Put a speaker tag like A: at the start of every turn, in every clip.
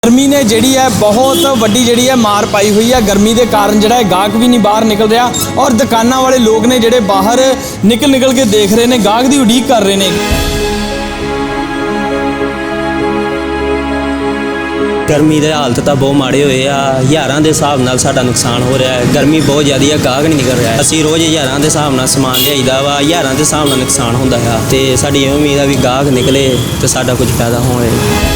A: गर्मी ने जी है बहुत वड्डी जी है मार पाई हुई है। गर्मी के कारण जो है गाहक भी नहीं बाहर निकल रहा और दुकानों वाले लोग ने जोड़े बाहर निकल के देख रहे हैं, गाहक की उड़ीक कर रहे हैं।
B: गर्मी के हालत तो बहुत माड़े हुए आ। हज़ारों के हिसाब नाल साडा नुकसान हो रहा है। गर्मी बहुत ज़्यादा है, गाहक नहीं निकल रहा है। असीं रोज़ हज़ारों के हिसाब नाल समान लियाईदा वा, हज़ारों के हिसाब नाल नुकसान होंदा है ते साडी ये उम्मीद है भी गाहक निकले तो साडा कुछ फायदा होए।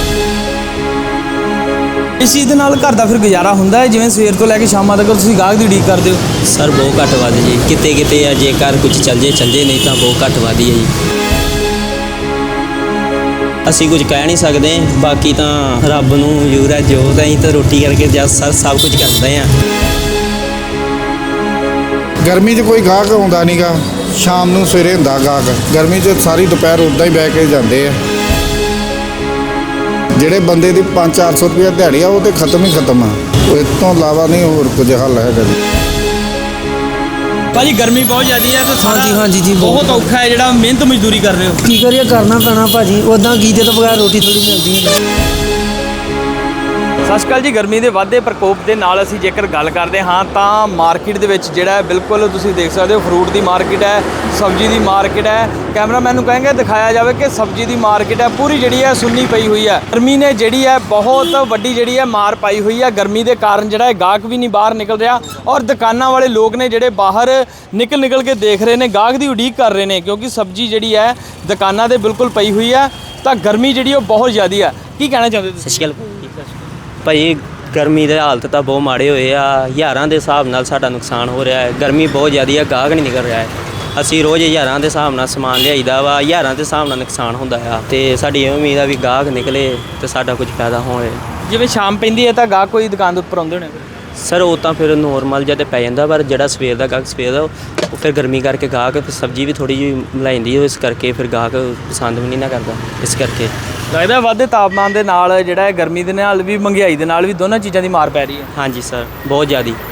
A: इस चीज़ के नाल घर का फिर गुजारा होंदा है, जिवें सवेर तो लैके शाम तक तुसीं गाहक की उड़ीक करदे हो?
B: सर बहुत घट वध जी, किते किते है जेकर कुछ चल जे नहीं तो बहुत घट वध है जी। असीं कुछ कह नहीं सकते, बाकी तो रब नूं मंजूर है जो असीं तो रोटी करके सर सब कुछ करते हैं।
C: गर्मी 'ਚ कोई गाहक आउंदा नहीं गा, शाम नूं सवेरे हुंदा गाहक। गर्मी 'ਚ सारी दोपहर उदां ही बह के जाते हैं। ਜਿਹੜੇ ਬੰਦੇ ਦੀ 500-400 रुपया ਦਿਹਾੜੀ ਆ ਉਹ ਤੇ ਖਤਮ ਹੀ ਖਤਮ ਆ। ਇਸ ਤੋਂ ਇਲਾਵਾ ਨਹੀਂ ਹੋਰ ਕੁਝ ਹੱਲ ਹੈਗਾ ਜੀ।
A: भाजी गर्मी बहुत ज़्यादा है तो
D: हाँ जी
A: बहुत औखा है जो मेहनत मजदूरी कर रहे हो।
D: की करिए, करना पैना भाजी, उदा गीते तो बगैर रोटी थोड़ी मिलती है।
A: ਸਤਿ ਸ਼੍ਰੀ ਅਕਾਲ ਜੀ। ਗਰਮੀ ਦੇ ਵਾਧੇ ਪ੍ਰਕੋਪ ਦੇ ਨਾਲ ਅਸੀਂ ਜੇਕਰ ਗੱਲ ਕਰਦੇ ਹਾਂ ਤਾਂ ਮਾਰਕੀਟ ਦੇ ਵਿੱਚ ਜਿਹੜਾ ਬਿਲਕੁਲ ਤੁਸੀਂ ਦੇਖ ਸਕਦੇ ਹੋ ਫਰੂਟ ਦੀ ਮਾਰਕੀਟ ਹੈ, ਸਬਜ਼ੀ ਦੀ ਮਾਰਕੀਟ ਹੈ। ਕੈਮਰਾਮੈਨ ਨੂੰ ਕਹਾਂਗੇ ਦਿਖਾਇਆ ਜਾਵੇ ਕਿ ਸਬਜ਼ੀ ਦੀ ਮਾਰਕੀਟ ਹੈ ਪੂਰੀ ਜਿਹੜੀ ਹੈ ਸੁੰਨੀ ਪਈ ਹੋਈ ਹੈ। ਗਰਮੀ ਨੇ ਜਿਹੜੀ ਹੈ ਬਹੁਤ ਵੱਡੀ ਜਿਹੜੀ ਹੈ ਮਾਰ ਪਾਈ ਹੋਈ ਹੈ। ਗਰਮੀ ਦੇ ਕਾਰਨ ਜਿਹੜਾ ਹੈ ਗਾਹਕ ਵੀ ਨਹੀਂ ਬਾਹਰ ਨਿਕਲ ਰਿਹਾ ਔਰ ਦੁਕਾਨਾਂ ਵਾਲੇ ਲੋਕ ਨੇ ਜਿਹੜੇ ਬਾਹਰ ਨਿਕਲ ਕੇ ਦੇਖ ਰਹੇ ਨੇ, ਗਾਹਕ ਦੀ ਉਡੀਕ ਕਰ ਰਹੇ ਨੇ ਕਿਉਂਕਿ ਸਬਜ਼ੀ ਜਿਹੜੀ ਹੈ ਦੁਕਾਨਾਂ 'ਤੇ ਬਿਲਕੁਲ ਪਈ ਹੋਈ ਹੈ ਤਾਂ ਗਰਮੀ ਜਿਹੜੀ ਉਹ ਬਹੁਤ ਜ਼ਿਆਦਾ ਹੈ। ਕੀ ਕਹਿਣਾ ਚਾਹੁੰਦੇ ਤੁਸੀਂ?
B: ਸਤਿ ਸ਼੍ਰੀ ਅਕਾਲ ਭਾਈ, ਗਰਮੀ ਦੇ ਹਾਲਤ ਤਾਂ ਬਹੁਤ ਮਾੜੇ ਹੋਏ ਆ। ਹਜ਼ਾਰਾਂ ਦੇ ਹਿਸਾਬ ਨਾਲ ਸਾਡਾ ਨੁਕਸਾਨ ਹੋ ਰਿਹਾ ਹੈ। ਗਰਮੀ ਬਹੁਤ ਜ਼ਿਆਦਾ ਹੈ, ਗਾਹਕ ਨਹੀਂ ਨਿਕਲ ਰਿਹਾ ਹੈ। ਅਸੀਂ ਰੋਜ਼ ਹਜ਼ਾਰਾਂ ਦੇ ਹਿਸਾਬ ਨਾਲ ਸਮਾਨ ਲਿਆਈਦਾ ਵਾ, ਹਜ਼ਾਰਾਂ ਦੇ ਹਿਸਾਬ ਨਾਲ ਨੁਕਸਾਨ ਹੁੰਦਾ ਆ ਤੇ ਸਾਡੀ ਇਹ ਉਮੀਦ ਆ ਵੀ ਗਾਹਕ ਨਿਕਲੇ ਤੇ ਸਾਡਾ ਕੁਝ ਫਾਇਦਾ ਹੋਏ।
A: ਜਿਵੇਂ ਸ਼ਾਮ ਪੈਂਦੀ ਹੈ ਤਾਂ ਗਾਹਕ ਕੋਈ ਦੁਕਾਨ ਦੇ ਉੱਪਰ ਆਉਂਦੇ ਹੋਣੇ?
B: ਸਰ ਉਹ ਤਾਂ ਫਿਰ ਨੋਰਮਲ ਜਿਹਾ ਤੇ ਪੈ ਜਾਂਦਾ, ਪਰ ਜਿਹੜਾ ਸਵੇਰ ਦਾ ਗਾਹਕ ਸਵੇਰ ਦਾ ਉਹ ਫਿਰ ਗਰਮੀ ਕਰਕੇ ਗਾਹਕ ਸਬਜ਼ੀ ਵੀ ਥੋੜ੍ਹੀ ਜਿਹੀ ਮਿਲਾਈਦੀ, ਇਸ ਕਰਕੇ ਫਿਰ ਗਾਹਕ ਪਸੰਦ ਵੀ ਨਹੀਂ ਨਾ ਕਰਦਾ। ਇਸ ਕਰਕੇ
A: ਲੱਗਦਾ ਵਾਧੇ ਤਾਪਮਾਨ ਦੇ ਨਾਲ ਜਿਹੜਾ ਹੈ ਗਰਮੀ ਦੇ ਨਾਲ ਵੀ ਮਹਿੰਗਾਈ ਦੇ ਨਾਲ ਵੀ ਦੋਨਾਂ ਚੀਜ਼ਾਂ ਦੀ ਮਾਰ ਪੈ ਰਹੀ ਹੈ।
B: ਹਾਂਜੀ ਸਰ, ਬਹੁਤ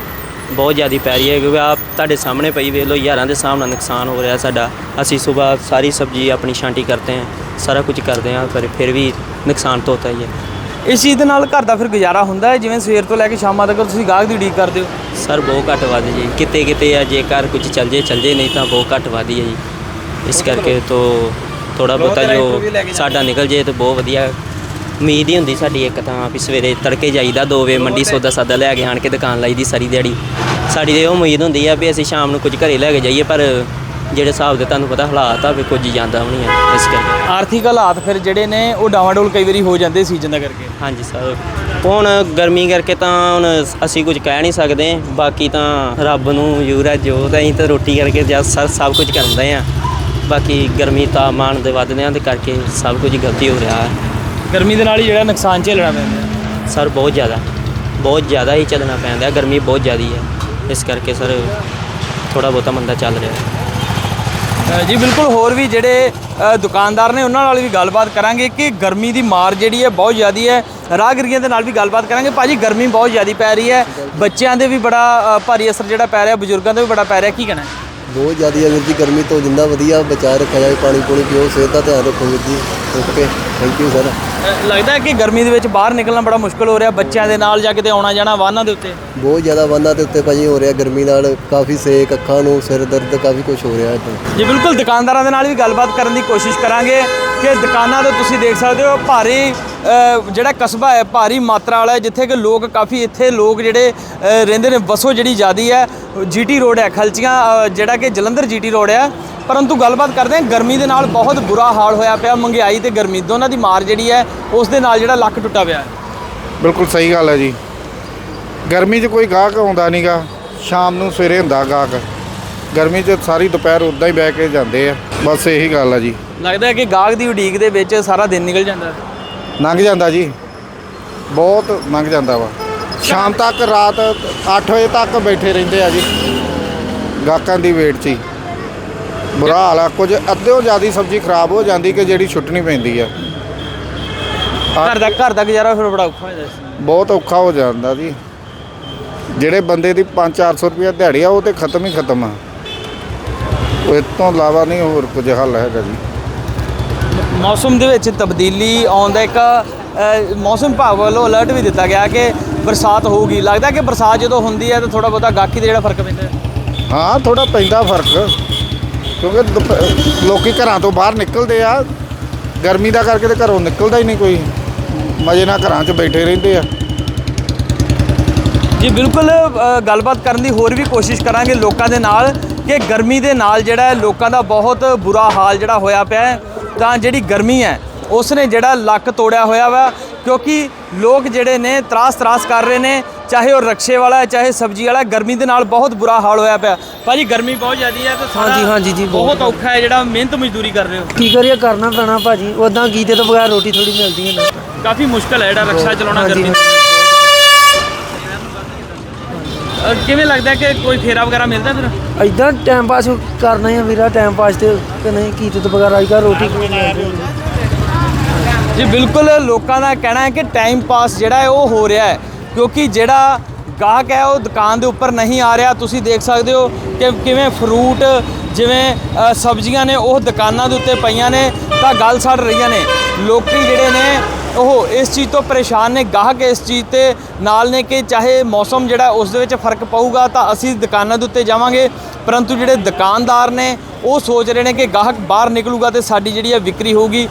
B: ਜ਼ਿਆਦਾ ਪੈ ਰਹੀ ਹੈ ਕਿਉਂਕਿ ਆਪ ਤੁਹਾਡੇ ਸਾਹਮਣੇ ਪਈ ਵੇਖ ਲਓ, ਹਜ਼ਾਰਾਂ ਦੇ ਹਿਸਾਬ ਨਾਲ ਨੁਕਸਾਨ ਹੋ ਰਿਹਾ ਸਾਡਾ। ਅਸੀਂ ਸਵੇਰ ਸਾਰੀ ਸਬਜ਼ੀ ਆਪਣੀ ਛਾਂਟੀ ਕਰਤੇ ਹਾਂ, ਸਾਰਾ ਕੁਝ ਕਰਦੇ ਹਾਂ, ਪਰ ਫਿਰ ਵੀ ਨੁਕਸਾਨ ਤਾਂ ਹੁੰਦਾ ਹੀ ਹੈ।
A: ਇਸ ਚੀਜ਼ ਦੇ ਨਾਲ ਘਰ ਦਾ ਫਿਰ ਗੁਜ਼ਾਰਾ ਹੁੰਦਾ ਹੈ, ਜਿਵੇਂ ਸਵੇਰ ਤੋਂ ਲੈ ਕੇ ਸ਼ਾਮਾਂ ਤੱਕ ਤੁਸੀਂ ਗਾਹਕ ਦੀ ਉਡੀਕ ਕਰਦੇ ਹੋ?
B: ਸਰ ਬਹੁਤ ਘੱਟ ਵੱਧ ਜੀ, ਕਿਤੇ ਕਿਤੇ ਹੈ ਜੇਕਰ ਕੁਝ ਚੱਲ ਜੇ ਨਹੀਂ ਤਾਂ ਬਹੁਤ ਘੱਟ ਵੱਧ ਹੀ ਹੈ ਜੀ। ਇਸ ਕਰਕੇ ਤੋਂ ਥੋੜਾ ਬਹੁਤਾ ਜੋ ਸਾਡਾ ਨਿਕਲ ਜੇ ਤਾਂ ਬਹੁਤ ਵਧੀਆ। ਉਮੀਦ ਹੀ ਹੁੰਦੀ ਸਾਡੀ ਇੱਕ ਤਾਂ ਵੀ ਸਵੇਰੇ ਤੜਕੇ ਜਾਈਦਾ 2 ਵਜੇ ਮੰਡੀ ਸੌਦਾ ਸਾਦਾ ਲੈ ਕੇ ਆਣ ਕੇ ਦੁਕਾਨ ਲਾਈ ਦੀ ਸਾਰੀ ਦਿਹਾੜੀ। ਸਾਡੀ ਇਹ ਉਮੀਦ ਹੁੰਦੀ ਆ ਵੀ ਅਸੀਂ ਸ਼ਾਮ ਨੂੰ ਕੁਝ ਘਰੇ ਲੈ ਕੇ ਜਾਈਏ, ਪਰ ਜਿਹੜੇ ਹਿਸਾਬ ਦੇ ਤੁਹਾਨੂੰ ਪਤਾ ਹਾਲਾਤ ਆ ਵੀ ਕੁਝ ਜਾਂਦਾ ਵੀ ਨਹੀਂ ਹੈ। ਇਸ ਕਰਕੇ
A: ਆਰਥਿਕ ਹਾਲਾਤ ਫਿਰ ਜਿਹੜੇ ਨੇ ਉਹ ਡਾਵਾਡੋਲ ਕਈ ਵਾਰੀ ਹੋ ਜਾਂਦੇ ਸੀਜ਼ਨ ਦਾ ਕਰਕੇ।
B: ਹਾਂਜੀ ਸਰ, ਹੁਣ ਗਰਮੀ ਕਰਕੇ ਤਾਂ ਹੁਣ ਅਸੀਂ ਕੁਝ ਕਹਿ ਨਹੀਂ ਸਕਦੇ, ਬਾਕੀ ਤਾਂ ਰੱਬ ਨੂੰ ਮੰਜੂਰ ਹੈ ਜੋ ਅਸੀਂ ਤਾਂ ਰੋਟੀ ਕਰਕੇ ਸਭ ਕੁਝ ਕਰਦੇ ਹਾਂ। ਬਾਕੀ ਗਰਮੀ ਤਾਪਮਾਨ ਦੇ ਵੱਧਦਿਆਂ ਦੇ ਕਰਕੇ ਸਭ ਕੁਝ ਗਲਤੀ ਹੋ ਰਿਹਾ ਹੈ।
A: ਗਰਮੀ ਦੇ ਨਾਲ ਹੀ ਜਿਹੜਾ ਨੁਕਸਾਨ ਝੇਲਣਾ ਪੈਂਦਾ
B: ਸਰ, ਬਹੁਤ ਜ਼ਿਆਦਾ ਹੀ ਚੱਲਣਾ ਪੈਂਦਾ। ਗਰਮੀ ਬਹੁਤ ਜ਼ਿਆਦਾ ਹੈ, ਇਸ ਕਰਕੇ ਸਰ ਥੋੜ੍ਹਾ ਬਹੁਤਾ ਮੰਦਾ ਚੱਲ ਰਿਹਾ
A: ਜੀ। ਬਿਲਕੁਲ, ਹੋਰ ਵੀ ਜਿਹੜੇ ਦੁਕਾਨਦਾਰ ਨੇ ਉਹਨਾਂ ਨਾਲ ਵੀ ਗੱਲਬਾਤ ਕਰਾਂਗੇ ਕਿ ਗਰਮੀ ਦੀ ਮਾਰ ਜਿਹੜੀ ਹੈ ਬਹੁਤ ਜ਼ਿਆਦਾ ਹੈ। ਰਾਹਗੀਰਾਂ ਦੇ ਨਾਲ ਵੀ ਗੱਲਬਾਤ ਕਰਾਂਗੇ। ਭਾਜੀ ਗਰਮੀ ਬਹੁਤ ਜ਼ਿਆਦਾ ਪੈ ਰਹੀ ਹੈ, ਬੱਚਿਆਂ ਦੇ ਵੀ ਬੜਾ ਭਾਰੀ ਅਸਰ ਜਿਹੜਾ ਪੈ ਰਿਹਾ, ਬਜ਼ੁਰਗਾਂ ਦੇ ਵੀ ਬੜਾ ਪੈ ਰਿਹਾ, ਕੀ ਕਹਿਣਾ?
E: ਬਹੁਤ ਜ਼ਿਆਦਾ ਹੈ ਵੀਰ ਜੀ, ਗਰਮੀ ਤੋਂ ਜਿੰਨਾ ਵਧੀਆ ਬਚਾ ਰੱਖਿਆ ਜਾਏ, ਪਾਣੀ ਪੂਣੀ ਪੀਓ, ਸਿਹਤ ਦਾ ਧਿਆਨ ਰੱਖੋ ਵੀਰ ਜੀ। Okay, thank you sir.
A: ਲੱਗਦਾ ਹੈ ਕਿ ਗਰਮੀ ਦੇ ਵਿੱਚ ਬਾਹਰ ਨਿਕਲਣਾ ਬੜਾ ਮੁਸ਼ਕਿਲ ਹੋ ਰਿਹਾ ਬੱਚਿਆਂ ਦੇ ਨਾਲ, ਜਾਂ ਕਿਤੇ ਆਉਣਾ ਜਾਣਾ ਵਾਹਨਾਂ ਦੇ ਉੱਤੇ?
E: ਬਹੁਤ ਜ਼ਿਆਦਾ ਵਾਹਨਾਂ ਦੇ ਉੱਤੇ ਭਾਜੀ ਹੋ ਰਿਹਾ ਗਰਮੀ ਨਾਲ, ਕਾਫੀ ਸੇਕ, ਅੱਖਾਂ ਨੂੰ ਸਿਰ ਦਰਦ, ਕਾਫੀ ਕੁਝ ਹੋ ਰਿਹਾ ਇੱਥੇ
A: ਜੀ। ਬਿਲਕੁਲ, ਦੁਕਾਨਦਾਰਾਂ ਦੇ ਨਾਲ ਵੀ ਗੱਲਬਾਤ ਕਰਨ ਦੀ ਕੋਸ਼ਿਸ਼ ਕਰਾਂਗੇ ਕਿ ਦੁਕਾਨਾਂ 'ਤੇ ਤੁਸੀਂ ਦੇਖ ਸਕਦੇ ਹੋ ਭਾਰੀ ਜਿਹੜਾ ਕਸਬਾ ਹੈ, ਭਾਰੀ ਮਾਤਰਾ ਵਾਲਾ ਹੈ, ਜਿੱਥੇ ਕਿ ਲੋਕ ਕਾਫੀ ਇੱਥੇ ਲੋਕ ਜਿਹੜੇ ਰਹਿੰਦੇ ਨੇ। ਵਸੋਂ ਜਿਹੜੀ ਜ਼ਿਆਦਾ ਹੈ, GT ਰੋਡ ਹੈ, ਖਲਚੀਆਂ ਜਿਹੜਾ ਕਿ ਜਲੰਧਰ GT ਰੋਡ ਹੈ। ਪਰੰਤੂ ਗੱਲਬਾਤ ਕਰਦੇ ਹਾਂ, ਗਰਮੀ ਦੇ ਨਾਲ ਬਹੁਤ ਬੁਰਾ ਹਾਲ ਹੋਇਆ ਪਿਆ। ਮਹਿੰਗਾਈ ਤੇ ਗਰਮੀ ਦੋਨਾਂ ਦੀ ਮਾਰ ਜਿਹੜੀ ਹੈ ਉਸ ਦੇ ਨਾਲ ਜਿਹੜਾ ਲੱਕ ਟੁੱਟਾ ਪਿਆ ਹੈ।
C: ਬਿਲਕੁਲ ਸਹੀ ਗੱਲ ਹੈ ਜੀ। ਗਰਮੀ 'ਚ ਕੋਈ ਗਾਹਕ ਆਉਂਦਾ ਨਹੀਂ ਗਾ, ਸ਼ਾਮ ਨੂੰ ਸਵੇਰੇ ਹੁੰਦਾ ਗਾਹਕ। ਗਰਮੀ 'ਚ ਸਾਰੀ ਦੁਪਹਿਰ ਉਦਾਂ ਹੀ ਬਹਿ ਕੇ ਜਾਂਦੇ ਆ। ਬਸ ਇਹੀ ਗੱਲ ਆ ਜੀ।
A: ਲੱਗਦਾ ਹੈ ਕਿ ਗਾਹਕ ਦੀ ਉਡੀਕ ਦੇ ਵਿੱਚ ਸਾਰਾ ਦਿਨ ਨਿਕਲ ਜਾਂਦਾ,
C: ਲੰਘ ਜਾਂਦਾ ਜੀ, ਬਹੁਤ ਲੰਘ ਜਾਂਦਾ ਵਾ। ਸ਼ਾਮ ਤੱਕ ਰਾਤ 8 ਵਜੇ ਤੱਕ ਬੈਠੇ ਰਹਿੰਦੇ ਆ ਜੀ ਗਾਹਕਾਂ ਦੀ ਵੇਟ 'ਚ ਹੀ। ਬੁਰਾ ਹਾਲ ਆ। ਕੁਝ ਅੱਧਿਓਂ ਜ਼ਿਆਦਾ ਸਬਜ਼ੀ ਖਰਾਬ ਹੋ ਜਾਂਦੀ ਕਿ ਜਿਹੜੀ ਛੁੱਟਣੀ ਪੈਂਦੀ ਆ।
A: ਘਰ ਦਾ ਗੁਜ਼ਾਰਾ ਫਿਰ ਬੜਾ ਔਖਾ ਹੋ ਜਾਂਦਾ,
C: ਬਹੁਤ ਔਖਾ ਹੋ ਜਾਂਦਾ ਜੀ। ਜਿਹੜੇ ਬੰਦੇ ਦੀ 500-400 ਰੁਪਇਆ ਦਿਹਾੜੀ ਆ ਉਹ ਤੇ ਖਤਮ ਹੀ ਖਤਮ ਆ। ਇਸ ਤੋਂ ਇਲਾਵਾ ਨਹੀਂ ਹੋਰ ਕੁਝ ਹੱਲ ਹੈਗਾ ਜੀ।
A: ਮੌਸਮ ਦੇ ਵਿੱਚ ਤਬਦੀਲੀ ਆਉਣ ਦਾ ਇੱਕ ਮੌਸਮ ਵਿਭਾਗ ਵੱਲੋਂ ਅਲਰਟ ਵੀ ਦਿੱਤਾ ਗਿਆ ਕਿ ਬਰਸਾਤ ਹੋਊਗੀ। ਲੱਗਦਾ ਕਿ ਬਰਸਾਤ ਜਦੋਂ ਹੁੰਦੀ ਹੈ ਤਾਂ ਥੋੜਾ ਬਹੁਤਾ ਗਾਹਕੀ ਦਾ ਜਿਹੜਾ ਫਰਕ ਪੈਂਦਾ ਹੈ।
C: ਹਾਂ ਥੋੜਾ ਪੈਂਦਾ ਫਰਕ, ਕਿਉਂਕਿ ਲੋਕੀ ਘਰਾਂ ਤੋਂ ਬਾਹਰ ਨਿਕਲਦੇ ਆ, ਗਰਮੀ ਦਾ ਕਰਕੇ ਤੇ ਘਰੋਂ ਨਿਕਲਦਾ ਹੀ ਨਹੀਂ ਕੋਈ, ਮਜ਼ੇ ਨਾਲ ਘਰਾਂ 'ਚ ਬੈਠੇ ਰਹਿੰਦੇ ਆ।
A: ਜੀ ਬਿਲਕੁਲ, ਗੱਲਬਾਤ ਕਰਨ ਦੀ ਹੋਰ ਵੀ ਕੋਸ਼ਿਸ਼ ਕਰਾਂਗੇ ਲੋਕਾਂ ਦੇ ਨਾਲ ਕਿ ਗਰਮੀ ਦੇ ਨਾਲ ਜਿਹੜਾ ਹੈ ਲੋਕਾਂ ਦਾ ਬਹੁਤ ਬੁਰਾ ਹਾਲ ਜਿਹੜਾ ਹੋਇਆ ਪਿਆ ਹੈ। ਤਾਂ ਜਿਹੜੀ ਗਰਮੀ ਹੈ ਉਸ ਨੇ ਜਿਹੜਾ ਲੱਕ ਤੋੜਿਆ ਹੋਇਆ ਵਾ, ਕਿਉਂਕਿ ਲੋਕ ਜਿਹੜੇ ਨੇ ਤਰਾਸ ਕਰ ਰਹੇ ਨੇ, ਚਾਹੇ ਉਹ ਰਕਸ਼ੇ ਵਾਲਾ ਹੈ ਚਾਹੇ ਸਬਜ਼ੀ ਵਾਲਾ, ਗਰਮੀ ਦੇ ਨਾਲ ਬਹੁਤ ਬੁਰਾ ਹਾਲ ਹੋਇਆ ਪਿਆ। ਭਾਜੀ ਗਰਮੀ ਬਹੁਤ ਜ਼ਿਆਦੀ ਹੈ ਤੇ
D: ਹਾਂਜੀ ਜੀ,
A: ਬਹੁਤ ਔਖਾ ਹੈ ਜਿਹੜਾ ਮਿਹਨਤ ਮਜ਼ਦੂਰੀ ਕਰ ਰਹੇ ਹੋ।
D: ਕੀ ਕਰੀਏ, ਕਰਨਾ ਪੈਣਾ ਭਾਜੀ, ਉਦਾਂ ਕੀਤੇ ਤੋਂ ਬਗੈਰ ਰੋਟੀ ਥੋੜੀ ਮਿਲਦੀ ਹੈ ਨਾ।
A: ਕਾਫੀ ਮੁਸ਼ਕਲ ਹੈ ਜਿਹੜਾ ਰਕਸ਼ਾ ਚਲਾਉਣਾ
D: ਹਾਂਜੀ,
A: ਗਰਮੀ ਕਿਵੇਂ ਲੱਗਦਾ ਕਿ ਕੋਈ ਫੇਰਾ ਵਗੈਰਾ ਮਿਲਦਾ ਫਿਰ?
D: ਇਦਾਂ ਟਾਈਮ ਪਾਸ ਕਰਨਾ ਹੀ ਆ ਵੀਰਾ, ਟਾਈਮ ਪਾਸ ਤੇ ਕਿ ਨਹੀਂ ਕੀਤੇ ਤੋਂ ਬਗੈਰ ਅੱਜ ਕੱਲ੍ਹ ਰੋਟੀ ਕੋਈ ਮਿਲਦੀ ਨਹੀਂ।
A: ਜੀ ਬਿਲਕੁਲ, ਲੋਕਾਂ ਦਾ ਕਹਿਣਾ ਹੈ ਕਿ ਟਾਈਮ ਪਾਸ ਜਿਹੜਾ ਹੈ ਉਹ ਹੋ ਰਿਹਾ ਹੈ, ਕਿਉਂਕਿ ਜਿਹੜਾ ਗਾਹਕ ਹੈ ਉਹ ਦੁਕਾਨ ਦੇ ਉੱਪਰ ਨਹੀਂ ਆ ਰਿਹਾ। ਤੁਸੀਂ ਦੇਖ ਸਕਦੇ ਹੋ ਕਿ ਕਿਵੇਂ ਫਰੂਟ ਜਿਵੇਂ ਸਬਜ਼ੀਆਂ ਨੇ ਉਹ ਦੁਕਾਨਾਂ ਦੇ ਉੱਤੇ ਪਈਆਂ ਨੇ ਤਾਂ ਗਲ ਸੜ ਰਹੀਆਂ ਨੇ। ਲੋਕੀ ਜਿਹੜੇ ਨੇ ਉਹ ਇਸ ਚੀਜ਼ ਤੋਂ ਪਰੇਸ਼ਾਨ ਨੇ, ਗਾਹਕ ਇਸ ਚੀਜ਼ ਤੇ ਨਾਲ ਨੇ ਕਿ ਚਾਹੇ ਮੌਸਮ ਜਿਹੜਾ ਉਸ ਦੇ ਵਿੱਚ ਫਰਕ ਪਊਗਾ ਤਾਂ ਅਸੀਂ ਦੁਕਾਨਾਂ ਦੇ ਉੱਤੇ ਜਾਵਾਂਗੇ, ਪਰੰਤੂ ਜਿਹੜੇ ਦੁਕਾਨਦਾਰ ਨੇ ਉਹ ਸੋਚ ਰਹੇ ਨੇ ਕਿ ਗਾਹਕ ਬਾਹਰ ਨਿਕਲੂਗਾ ਤੇ ਸਾਡੀ ਜਿਹੜੀ ਹੈ ਵਿਕਰੀ ਹੋਊਗੀ।